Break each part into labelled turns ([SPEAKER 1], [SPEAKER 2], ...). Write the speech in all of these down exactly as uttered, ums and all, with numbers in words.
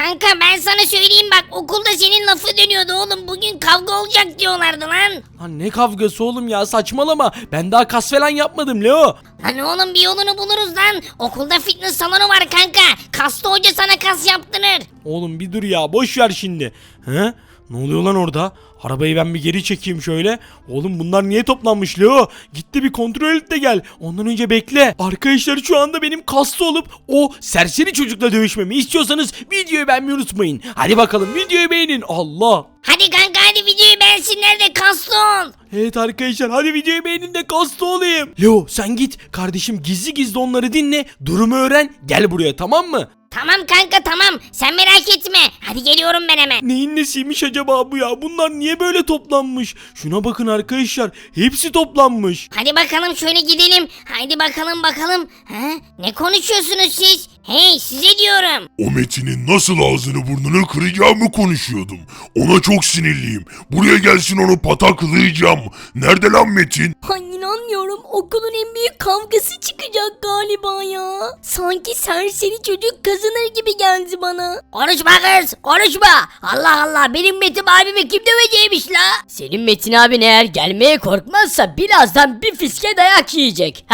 [SPEAKER 1] Kanka ben sana söyleyeyim bak okulda senin lafı dönüyordu oğlum. Bugün kavga olacak diyorlardı lan.
[SPEAKER 2] Lan ne kavgası oğlum ya, saçmalama. Ben daha kas falan yapmadım Leo.
[SPEAKER 1] Lan oğlum bir yolunu buluruz lan. Okulda fitness salonu var kanka. Kaslı hoca sana kas yaptırır.
[SPEAKER 2] Oğlum bir dur ya, boş ver şimdi. He? Ne oluyor lan orada? Arabayı ben bir geri çekeyim şöyle. Oğlum bunlar niye toplanmış Leo? Gitti bir kontrol et de gel. Ondan önce bekle. Arkadaşlar şu anda benim kaslı olup o serseri çocukla dövüşmemi istiyorsanız videoyu beğenmeyi unutmayın. Hadi bakalım videoyu beğenin. Allah.
[SPEAKER 1] Hadi kanka hadi videoyu beğensinler de kaslı ol.
[SPEAKER 2] Evet arkadaşlar, hadi videoyu beğenin de kaslı olayım. Leo sen git kardeşim, gizli gizli onları dinle. Durumu öğren, gel buraya, tamam mı?
[SPEAKER 1] Tamam kanka tamam sen merak etme. Hadi geliyorum ben hemen.
[SPEAKER 2] Neyin nesiymiş acaba bu ya? Bunlar niye böyle toplanmış? Şuna bakın arkadaşlar. Hepsi toplanmış.
[SPEAKER 1] Hadi bakalım şöyle gidelim. Hadi bakalım bakalım. Ha? Ne konuşuyorsunuz siz? Hey size diyorum.
[SPEAKER 3] O Metin'in nasıl ağzını burnunu kıracağımı konuşuyordum. Ona çok sinirliyim. Buraya gelsin onu pataklayacağım. Nerede lan Metin?
[SPEAKER 4] Ay inanmıyorum, okulun en büyük kavgası çıkacak galiba ya. Sanki serseri çocuk kazanır gibi geldi bana.
[SPEAKER 1] Konuşma kız konuşma. Allah Allah benim Metin abimi kim döveceğimiş la?
[SPEAKER 5] Senin Metin abin eğer gelmeye korkmazsa birazdan bir fiske dayak yiyecek.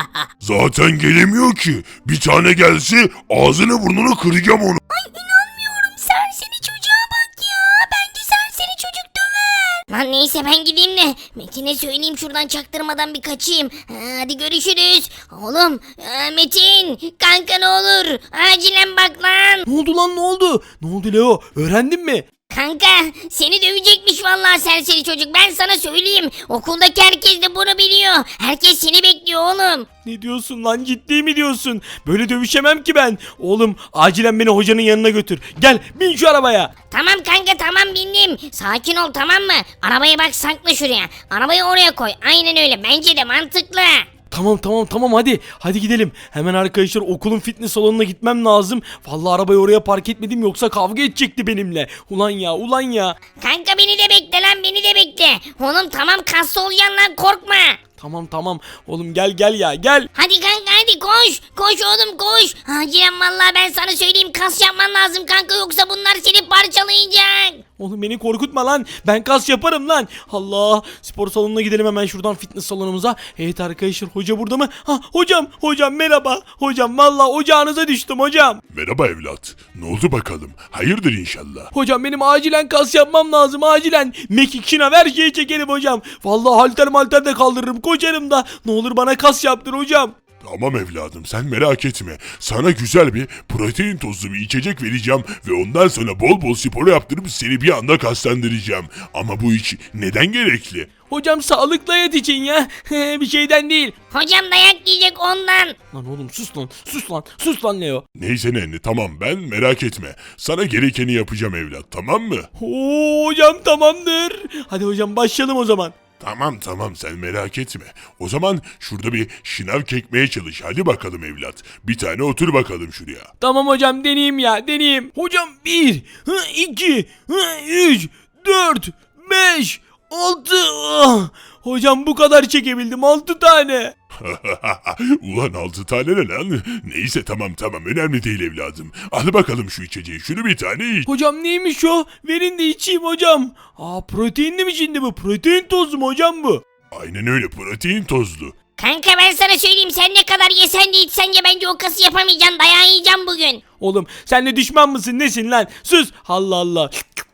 [SPEAKER 3] Zaten gelemiyor ki. Bir tane gelse ağzını burnunu kıracağım onu.
[SPEAKER 4] Ay inanmıyorum, serseri çocuğa bak ya. Bence serseri çocuk döver.
[SPEAKER 1] Lan neyse ben gideyim de Metin'e söyleyeyim şuradan çaktırmadan bir kaçayım. Ha, hadi görüşürüz. Oğlum ha, Metin kanka ne olur acilen bak lan.
[SPEAKER 2] Ne oldu lan, ne oldu? Ne oldu Leo? Öğrendin mi?
[SPEAKER 1] Kanka seni dövecekmiş vallahi serseri çocuk ben sana söyleyeyim. Okuldaki herkes de bunu biliyor. Herkes seni bekliyor oğlum.
[SPEAKER 2] Ne diyorsun lan, ciddi mi diyorsun? Böyle dövüşemem ki ben. Oğlum acilen beni hocanın yanına götür. Gel bin şu arabaya.
[SPEAKER 1] Tamam kanka tamam bindim. Sakin ol tamam mı? Arabayı bak sakla şuraya. Arabayı oraya koy. Aynen öyle bence de mantıklı.
[SPEAKER 2] Tamam tamam tamam hadi. Hadi gidelim. Hemen arkadaşlar okulun fitness salonuna gitmem lazım. Vallahi arabayı oraya park etmedim yoksa kavga edecekti benimle. Ulan ya ulan ya.
[SPEAKER 1] Kanka beni de bekle lan beni de bekle. Oğlum tamam kaslı olacaksın lan korkma.
[SPEAKER 2] Tamam tamam. Oğlum gel gel ya gel.
[SPEAKER 1] Hadi kanka hadi koş. Koş oğlum koş. Acilen vallahi ben sana söyleyeyim kas yapman lazım kanka yoksa bunlar seni parçalayacak.
[SPEAKER 2] Oğlum beni korkutma lan. Ben kas yaparım lan. Allah. Spor salonuna gidelim hemen şuradan, fitness salonumuza. Evet arkadaşlar, hoca burada mı? Ha hocam. Hocam merhaba. Hocam vallahi ocağınıza düştüm hocam.
[SPEAKER 3] Merhaba evlat. Ne oldu bakalım? Hayırdır inşallah.
[SPEAKER 2] Hocam benim acilen kas yapmam lazım acilen. Mekik şınav her şeyi çekelim hocam. Vallahi halter malter de kaldırırım, koşarım da. Ne olur bana kas yaptır hocam.
[SPEAKER 3] Tamam evladım sen merak etme. Sana güzel bir protein tozlu bir içecek vereceğim ve ondan sonra bol bol spor yaptırıp seni bir anda kaslandıracağım. Ama bu iş neden gerekli?
[SPEAKER 2] Hocam sağlıklı hayat için ya. Bir şeyden değil.
[SPEAKER 1] Hocam dayak yiyecek ondan.
[SPEAKER 2] Lan oğlum sus lan. Sus lan. Sus lan Leo.
[SPEAKER 3] Neyse nenni tamam ben merak etme. Sana gerekeni yapacağım evlat tamam mı?
[SPEAKER 2] Oo, hocam tamamdır. Hadi hocam başlayalım o zaman.
[SPEAKER 3] Tamam tamam sen merak etme. O zaman şurada bir şınav çekmeye çalış. Hadi bakalım evlat. Bir tane otur bakalım şuraya.
[SPEAKER 2] Tamam hocam deneyeyim ya deneyeyim. Hocam bir, iki, üç, dört, beş, altı. Hocam bu kadar çekebildim, altı tane.
[SPEAKER 3] Ulan altı tane ne lan? Neyse tamam tamam önemli değil evladım. Al bakalım şu içeceği. Şunu bir tane iç.
[SPEAKER 2] Hocam neymiş o? Verin de içeyim hocam. Aa proteinli mi şimdi bu? Protein tozu mu hocam bu?
[SPEAKER 3] Aynen öyle protein tozlu.
[SPEAKER 1] Kanka ben sana söyleyeyim sen ne kadar yesen de içsen de bence o kası yapamayacaksın dayağı yiyeceğim bugün.
[SPEAKER 2] Oğlum sen de düşman mısın nesin lan? Sus. Allah Allah.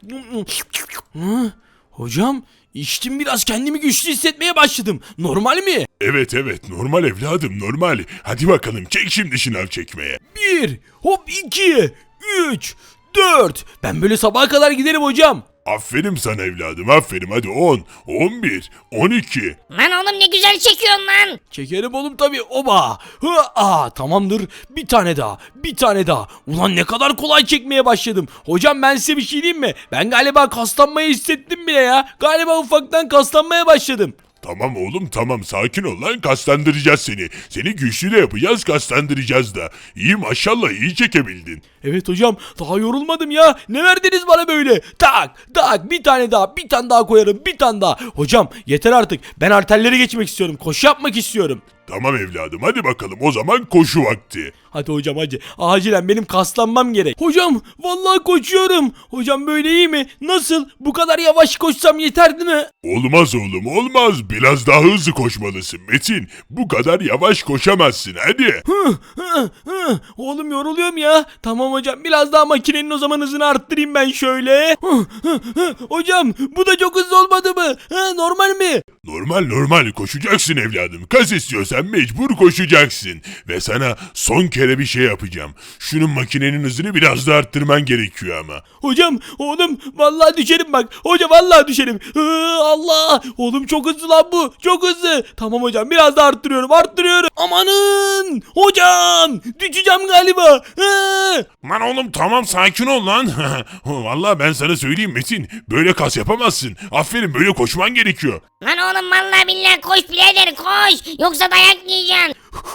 [SPEAKER 2] Hı? Hocam içtim, biraz kendimi güçlü hissetmeye başladım. Normal mi?
[SPEAKER 3] Evet evet normal evladım normal. Hadi bakalım çek şimdi şınav çekmeye.
[SPEAKER 2] Bir, hop iki, üç, dört. Ben böyle sabaha kadar giderim hocam.
[SPEAKER 3] Aferin sana evladım aferin hadi on, on bir, on iki.
[SPEAKER 1] Lan oğlum ne güzel çekiyorsun lan.
[SPEAKER 2] Çekerim oğlum tabi. Oba. Hı, aa, tamamdır. Bir tane daha. Bir tane daha. Ulan ne kadar kolay çekmeye başladım. Hocam ben size bir şey diyeyim mi? Ben galiba kaslanmayı hissettim bile ya. Galiba ufaktan kaslanmaya başladım.
[SPEAKER 3] Tamam oğlum tamam sakin ol lan kaslandıracağız seni. Seni güçlü de yapacağız kaslandıracağız da. İyi maşallah iyi çekebildin.
[SPEAKER 2] Evet hocam, daha yorulmadım ya. Ne verdiniz bana böyle? Tak tak, bir tane daha, bir tane daha koyarım, bir tane daha. Hocam yeter artık. Ben arterlere geçmek istiyorum. Koşu yapmak istiyorum.
[SPEAKER 3] Tamam evladım hadi bakalım o zaman koşu vakti.
[SPEAKER 2] Hadi hocam hadi. Acilen benim kaslanmam gerek. Hocam vallahi koşuyorum. Hocam böyle iyi mi? Nasıl? Bu kadar yavaş koşsam yeterli mi?
[SPEAKER 3] Olmaz oğlum olmaz. Biraz daha hızlı koşmalısın Metin. Bu kadar yavaş koşamazsın hadi.
[SPEAKER 2] Hı, hı, hı. Oğlum yoruluyorum ya. Tamam hocam biraz daha makinenin o zaman hızını arttırayım ben şöyle. Hı, hı, hı. Hocam bu da çok hızlı olmadı mı? Hı, normal mi?
[SPEAKER 3] Normal normal koşacaksın evladım. Kas istiyorsan mecbur koşacaksın. Ve sana son kere bir şey yapacağım. Şunun makinenin hızını biraz da arttırman gerekiyor ama.
[SPEAKER 2] Hocam oğlum vallahi düşerim bak. Hocam vallahi düşerim. Hı, Allah. Oğlum çok hızlı lan bu. Çok hızlı. Tamam hocam biraz da arttırıyorum arttırıyorum. Amanın. Hocam düşeceğim galiba. Hı.
[SPEAKER 3] Lan oğlum tamam sakin ol lan. Vallahi ben sana söyleyeyim Metin. Böyle kas yapamazsın. Aferin böyle koşman gerekiyor.
[SPEAKER 1] Lan oğlum vallahi billahi koş birader koş. Yoksa dayak yiyeceksin.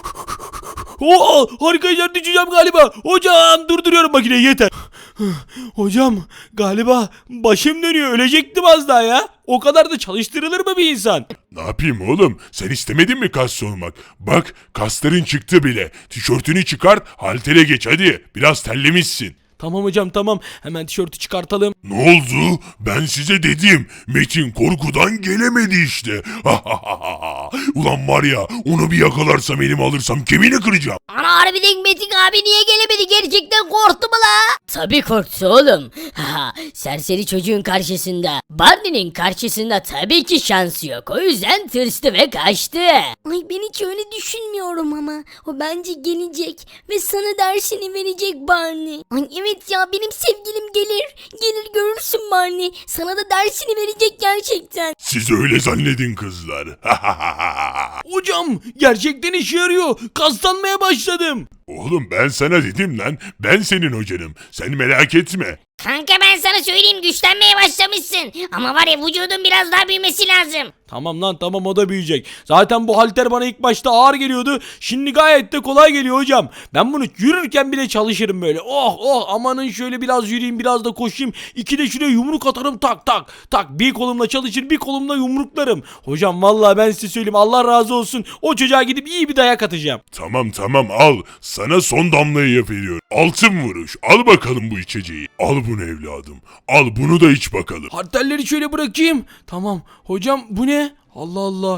[SPEAKER 2] Oo, arkadaşlar düşeceğim galiba. Hocam durduruyorum makineyi yeter. Hocam galiba başım dönüyor. Ölecektim az daha ya. O kadar da çalıştırılır mı bir insan?
[SPEAKER 3] Ne yapayım oğlum? Sen istemedin mi kas olmak? Bak kasların çıktı bile. Tişörtünü çıkart, haltere geç hadi. Biraz terlemişsin.
[SPEAKER 2] Tamam hocam tamam. Hemen tişörtü çıkartalım.
[SPEAKER 3] Ne oldu? Ben size dedim. Metin korkudan gelemedi işte. Ulan var ya onu bir yakalarsam elime alırsam kemiğini kıracağım.
[SPEAKER 4] Ana harbiden Metin abi niye gelemedi? Gerçekten korktu mu la?
[SPEAKER 5] Tabii korktu oğlum. Ha, serseri çocuğun karşısında, Barney'nin karşısında tabii ki şansı yok. O yüzden tırstı ve kaçtı.
[SPEAKER 4] Ay ben hiç öyle düşünmüyorum ama. O bence gelecek ve sana dersini verecek Barney. Ay evet ya benim sevgilim gelir. Gelir görürsün Barney. Sana da dersini verecek gerçekten.
[SPEAKER 3] Siz öyle zannedin kızlar.
[SPEAKER 2] Hocam gerçekten işe yarıyor. Kaslanmaya başladım.
[SPEAKER 3] Oğlum ben sana dedim lan. Ben senin hocanım. Sen merak etme.
[SPEAKER 1] Kanka ben sana söyleyeyim güçlenmeye başlamışsın. Ama var ya vücudun biraz daha büyümesi lazım.
[SPEAKER 2] Tamam lan tamam o da büyüyecek. Zaten bu halter bana ilk başta ağır geliyordu. Şimdi gayet de kolay geliyor hocam. Ben bunu yürürken bile çalışırım böyle. Oh oh amanın şöyle biraz yürüyeyim biraz da koşayım. İki de şuraya yumruk atarım tak tak. Tak bir kolumla çalışır bir kolumla yumruklarım. Hocam vallahi ben size söyleyeyim Allah razı olsun. O çocuğa gidip iyi bir dayak atacağım.
[SPEAKER 3] Tamam tamam al. Sana son damlayı veriyorum. Altın vuruş. Al bakalım bu içeceği. Al bunu evladım. Al bunu da iç bakalım.
[SPEAKER 2] Halterleri şöyle bırakayım. Tamam hocam bu ne? Allah Allah.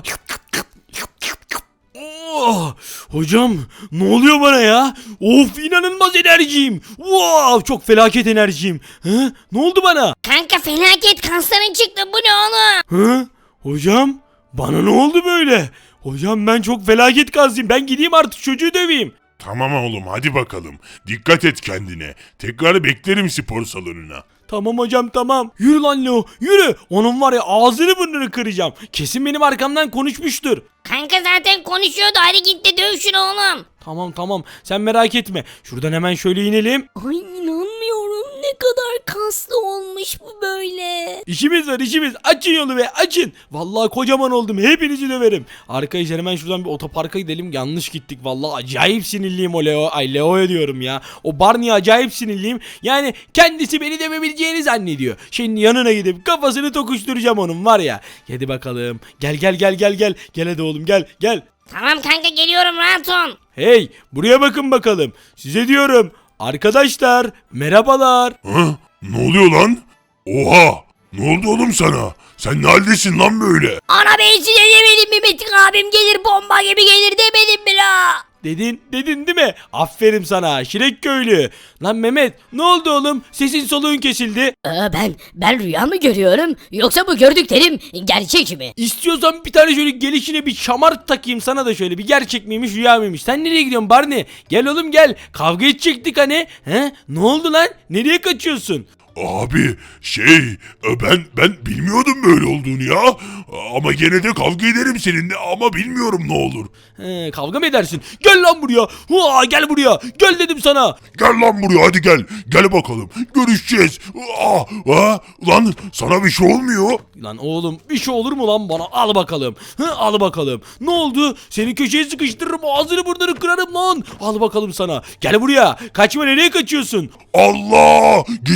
[SPEAKER 2] Oh, hocam ne oluyor bana ya? Of inanılmaz enerjiyim. Wow çok felaket enerjiyim. Hı? Ne oldu bana?
[SPEAKER 1] Kanka felaket kasların çıktı bu ne oğlum?
[SPEAKER 2] Hı? Hocam bana ne oldu böyle? Hocam ben çok felaket gazlıyım. Ben gideyim artık çocuğu döveyim.
[SPEAKER 3] Tamam oğlum hadi bakalım. Dikkat et kendine. Tekrar beklerim spor salonuna.
[SPEAKER 2] Tamam hocam tamam. Yürü lan Leo yürü. Onun var ya ağzını burnunu kıracağım. Kesin benim arkamdan konuşmuştur.
[SPEAKER 1] Kanka zaten konuşuyordu hadi git de döv şunu oğlum.
[SPEAKER 2] Tamam tamam sen merak etme. Şuradan hemen şöyle inelim.
[SPEAKER 4] Ay inanmıyorum ne kadar kaslı olmuş bu böyle.
[SPEAKER 2] İşimiz var işimiz. Açın yolu be açın. Vallahi kocaman oldum. Hepinizi döverim. Arkadaşlar hemen şuradan bir otoparka gidelim. Yanlış gittik. Vallahi acayip sinirliyim o Leo. Ay Leo'ya diyorum ya. O Barney'e acayip sinirliyim. Yani kendisi beni dövebileceğini zannediyor. Şimdi yanına gidip kafasını tokuşturacağım onun var ya. Hadi bakalım. Gel gel gel gel gel. Gel hadi oğlum gel gel.
[SPEAKER 1] Tamam kanka geliyorum rahat ol.
[SPEAKER 2] Hey buraya bakın bakalım. Size diyorum. Arkadaşlar merhabalar.
[SPEAKER 3] Hı? Ne oluyor lan? Oha! Ne oldu oğlum sana? Sen ne haldesin lan böyle?
[SPEAKER 4] Ana ben size demedim mi Metin abim gelir bomba gibi gelir demedim mi la?
[SPEAKER 2] Dedin, dedin değil mi? Aferin sana Şirek köylü. Lan Mehmet ne oldu oğlum? Sesin soluğun kesildi.
[SPEAKER 5] Aa, ben ben rüya mı görüyorum yoksa bu gördüklerim gerçek mi?
[SPEAKER 2] İstiyorsan bir tane şöyle gelişine bir şamar takayım sana da şöyle bir gerçek miymiş rüya mıymış? Sen nereye gidiyorsun Barney? Gel oğlum gel. Kavga edecektik hani. He? Ne oldu lan? Nereye kaçıyorsun?
[SPEAKER 3] Abi şey ben ben bilmiyordum böyle olduğunu ya. Ama gene de kavga ederim seninle ama bilmiyorum ne olur.
[SPEAKER 2] He, kavga mı edersin? Gel lan buraya. Hua, gel buraya. Gel dedim sana.
[SPEAKER 3] Gel lan buraya hadi gel. Gel bakalım. Görüşeceğiz. Aa, aa, lan sana bir şey olmuyor.
[SPEAKER 2] Lan oğlum bir şey olur mu lan bana? Al bakalım. Hı, al bakalım. Ne oldu? Seni köşeye sıkıştırırım. Ağzını burnunu kırarım lan. Al bakalım sana. Gel buraya. Kaçma nereye kaçıyorsun?
[SPEAKER 3] Allah! Git lan git.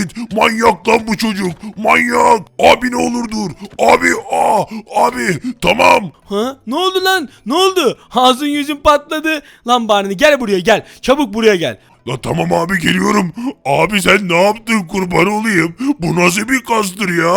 [SPEAKER 3] git. Manyak lan bu çocuk. Manyak. Abi ne olur dur. Abi aa abi tamam.
[SPEAKER 2] Ha? Ne oldu lan? Ne oldu? Ağzın yüzün patladı. Lan Barney gel buraya gel. Çabuk buraya gel.
[SPEAKER 3] La tamam abi geliyorum. Abi sen ne yaptın kurban olayım? Bu nasıl bir kastır ya?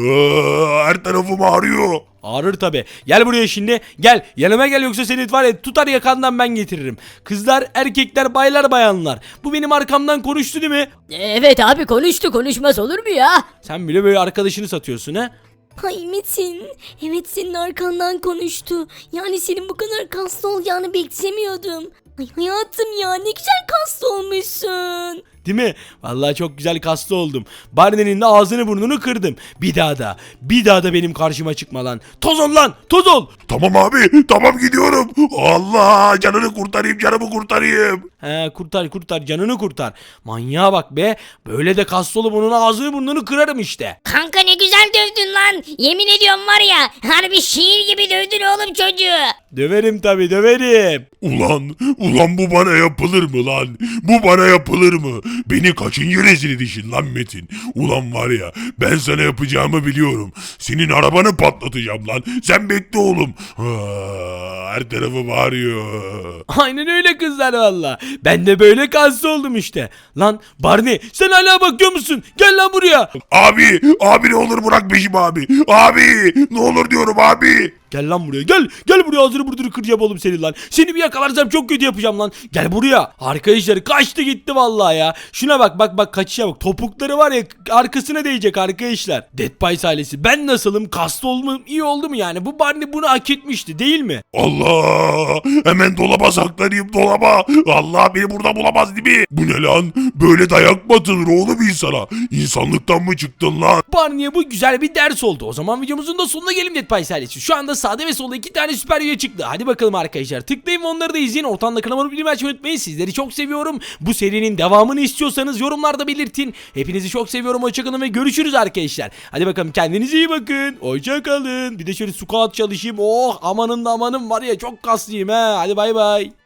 [SPEAKER 3] Aa, her tarafım ağrıyor.
[SPEAKER 2] Ağrır tabi. Gel buraya şimdi. Gel. Yanıma gel yoksa seni var ya tutar yakandan ben getiririm. Kızlar, erkekler, baylar, bayanlar. Bu benim arkamdan konuştu değil mi?
[SPEAKER 5] Evet abi konuştu konuşmaz olur mu ya?
[SPEAKER 2] Sen bile böyle arkadaşını satıyorsun ha?
[SPEAKER 4] Ay Metin. Evet senin arkandan konuştu. Yani senin bu kadar kaslı olacağını beklemiyordum. Ay hayatım ya ne güzel kaslı olmuşsun.
[SPEAKER 2] Değil mi? Vallahi çok güzel kaslı oldum. Barney'nin de ağzını burnunu kırdım. Bir daha da, bir daha da benim karşıma çıkma lan. Toz ol lan, toz ol.
[SPEAKER 3] Tamam abi tamam gidiyorum. Allah canını kurtarayım canımı kurtarayım.
[SPEAKER 2] He kurtar kurtar canını kurtar. Manyağa bak be. Böyle de kaslı olup onun ağzını burnunu kırarım işte.
[SPEAKER 1] Kanka ne güzel dövdün lan. Yemin ediyorum var ya harbi şiir gibi dövdün oğlum çocuğu.
[SPEAKER 2] Döverim tabi döverim.
[SPEAKER 3] Ulan ulan bu bana yapılır mı lan? Bu bana yapılır mı? Beni kaçıncı rezil edişin lan Metin? Ulan var ya ben sana yapacağımı biliyorum. Senin arabanı patlatacağım lan. Sen bekle oğlum. Aa, her tarafım ağrıyor.
[SPEAKER 2] Aynen öyle kızlar valla. Ben de böyle kaslı oldum işte. Lan Barney sen hala bakıyor musun? Gel lan buraya.
[SPEAKER 3] Abi abi ne olur bırak peşimi abi. Abi ne olur diyorum abi.
[SPEAKER 2] Gel lan buraya gel. Gel buraya ağzını burnunu kıracağım oğlum senin lan. Seni bir yakalarsam çok kötü yapacağım lan. Gel buraya. Arkadaşlar kaçtı gitti vallahi ya. Şuna bak bak bak kaçışa bak. Topukları var ya arkasına değecek arkadaşlar. Dead Pies ailesi ben nasılım? Kaslı olmam iyi oldu mu yani? Bu Barney bunu hak etmişti değil mi?
[SPEAKER 3] Allah hemen dolaba saklanayım dolaba. Allah beni burada bulamaz değil mi? Bu ne lan? Böyle dayak mı atılır oğlum insana? İnsanlıktan mı çıktın lan?
[SPEAKER 2] Barney'e bu güzel bir ders oldu. O zaman videomuzun da sonuna gelelim Dead Pies ailesi. Şu anda sağda ve solda iki tane süper video çıktı. Hadi bakalım arkadaşlar. Tıklayın ve onları da izleyin. Ortamda kanalıma bildirim açmayı unutmayın. Sizleri çok seviyorum. Bu serinin devamını istiyorsanız yorumlarda belirtin. Hepinizi çok seviyorum. Hoşçakalın ve görüşürüz arkadaşlar. Hadi bakalım kendinize iyi bakın. Hoşçakalın. Bir de şöyle squat çalışayım. Oh amanın da amanın var ya çok kaslıyım he. Hadi bay bay.